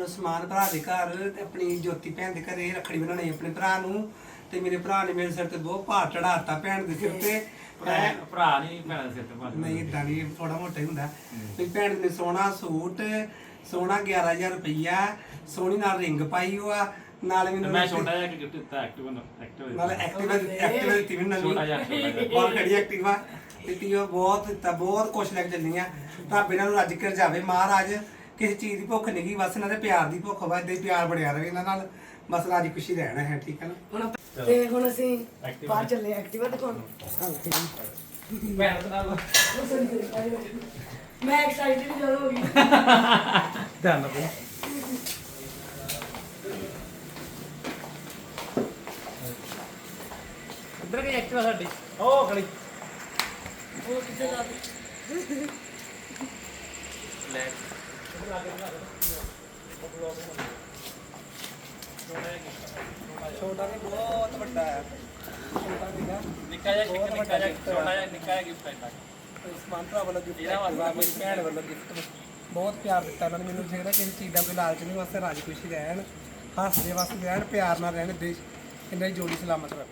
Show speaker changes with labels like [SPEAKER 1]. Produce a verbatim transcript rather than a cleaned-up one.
[SPEAKER 1] ਨੂੰ ਸਮਾਨ ਭਰਾ ਦੇ ਘਰ ਤੇ ਆਪਣੀ ਜੋਤੀ ਭੈਣ ਦੇ ਘਰੇ ਰੱਖੜੀ ਬਣਾਉਣੀ ਆਪਣੇ ਭਰਾ ਨੂੰ ਤੇ ਮੇਰੇ ਭਰਾ ਨੇ ਮੇਰੇ ਸਿਰ ਤੇ ਬਹੁਤ ਭਾਰ ਚੜਾਤਾ ਭੈਣ ਦੇ ਸਿਰ ਤੇ
[SPEAKER 2] ਭਰਾ ਨਹੀਂ ਭੈਣ ਦੇ ਸਿਰ ਤੇ ਭਾਰ
[SPEAKER 1] ਨਹੀਂ ਇਦਾਂ ਨਹੀਂ ਥੋੜਾ ਮੋਟਾ ਹੀ ਹੁੰਦਾ ਵੀ ਭੈਣ ਨੇ ਸੋਹਣਾ ਸੂਟ ਸੋਹਣਾ ਗਿਆਰਾਂ ਹਜ਼ਾਰ ਰੁਪਈਆ ਸੋਹਣੀ ਨਾਲ ਰਿੰਗ ਪਾਈ ਹੋਆ ਨਾਲ ਮੈਨੂੰ
[SPEAKER 2] ਮੈਂ ਛੋਟਾ ਜਿਹਾ ਗਿਫਟ ਦਿੱਤਾ ਐਕਟਿਵ ਐਕਟਿਵ
[SPEAKER 1] ਨਾਲ ਐਕਟਿਵਾ ਐਕਟਿਵਾ ਦਿੱਤੀ ਮੈਨੂੰ ਨਵੀਂ
[SPEAKER 2] ਛੋਟਾ ਜਿਹਾ ਛੋਟਾ ਜਿਹਾ
[SPEAKER 1] ਬਹੁਤ ਖੜੀ ਐਕਟਿਵਾ ਦਿੱਤੀ ਉਹ ਬਹੁਤ ਦਿੱਤਾ ਬਹੁਤ ਕੁਛ ਲੈ ਕੇ ਚੱਲੀ ਆ ਤਾਂ ਬਿਨਾਂ ਨੂੰ ਰੱਜ ਕੇ ਜਾਵੇ ਮਹਾਰਾਜ ਕਿਸੇ ਚੀਜ਼ ਦੀ ਭੁੱਖ ਨਹੀਂ ਗਈ ਬਸ ਇਹਨਾਂ ਦੇ ਪਿਆਰ ਦੀ ਭੁੱਖ ਵਾ ਏਦਾਂ ਹੀ ਪਿਆਰ ਬਣਿਆ ਰਵੇ ਇਹਨਾਂ ਨਾਲ ਬਸ ਰਾਜੀ ਖੁਸ਼ੀ ਰਹਿਣਾ ਹੈ ਠੀਕ ਹੈ ਨਾ
[SPEAKER 3] ਹੁਣ ਤੇ ਹੁਣ ਅਸੀਂ ਬਾਹਰ ਚੱਲੇ ਐਕਟਿਵਾ ਦਿਖਾਉਣ
[SPEAKER 2] ਭੈਣ ਦਾ ਨਾਮ
[SPEAKER 3] ਮੈਂ ਐਕਸਾਈਟਡ ਜਦੋਂ ਹੋ ਗਈ
[SPEAKER 1] ਧਿਆਨ ਨਾਲ
[SPEAKER 2] ਇੱਧਰ ਗਈ ਐਕਟਿਵਾ ਸਾਡੀ ਉਹ ਖੜੀ
[SPEAKER 3] ਉਹ ਕਿੱਥੇ ਜਾ
[SPEAKER 2] ਲੈ
[SPEAKER 1] ਛੋਟਾ ਵੀ ਬਹੁਤ ਵੱਡਾ ਹੈ ਛੋਟਾ ਵੀਗਾ
[SPEAKER 2] ਨਿੱਕਾ ਜਿਹਾ ਗਿਫਟ ਨਿੱਕਾ ਜਿਹਾ ਛੋਟਾ ਜਿਹਾ ਨਿੱਕਾ ਜਿਹਾ ਗਿਫਟ ਹੈ
[SPEAKER 1] ਸਮਾਨ ਭਰਾ ਵੱਲੋਂ ਗਿਫਟ ਮੇਰੀ ਭੈਣ ਵੱਲੋਂ ਗਿਫਟ ਬਹੁਤ ਪਿਆਰ ਦਿੱਤਾ ਉਹਨਾਂ ਨੇ ਮੈਨੂੰ ਜਿਹੜਾ ਕਿਸੇ ਚੀਜ਼ ਦਾ ਕੋਈ ਲਾਲਚ ਨਹੀਂ ਵਾਸਤੇ ਰਾਜੀ ਖੁਸ਼ੀ ਰਹਿਣ ਹੱਸਦੇ ਵਸਦੇ ਰਹਿਣ ਪਿਆਰ ਨਾਲ ਰਹਿਣ ਦੇਸ਼ ਇਹਨਾਂ ਦੀ ਜੋੜੀ ਸਲਾਮਤ ਰਹੇ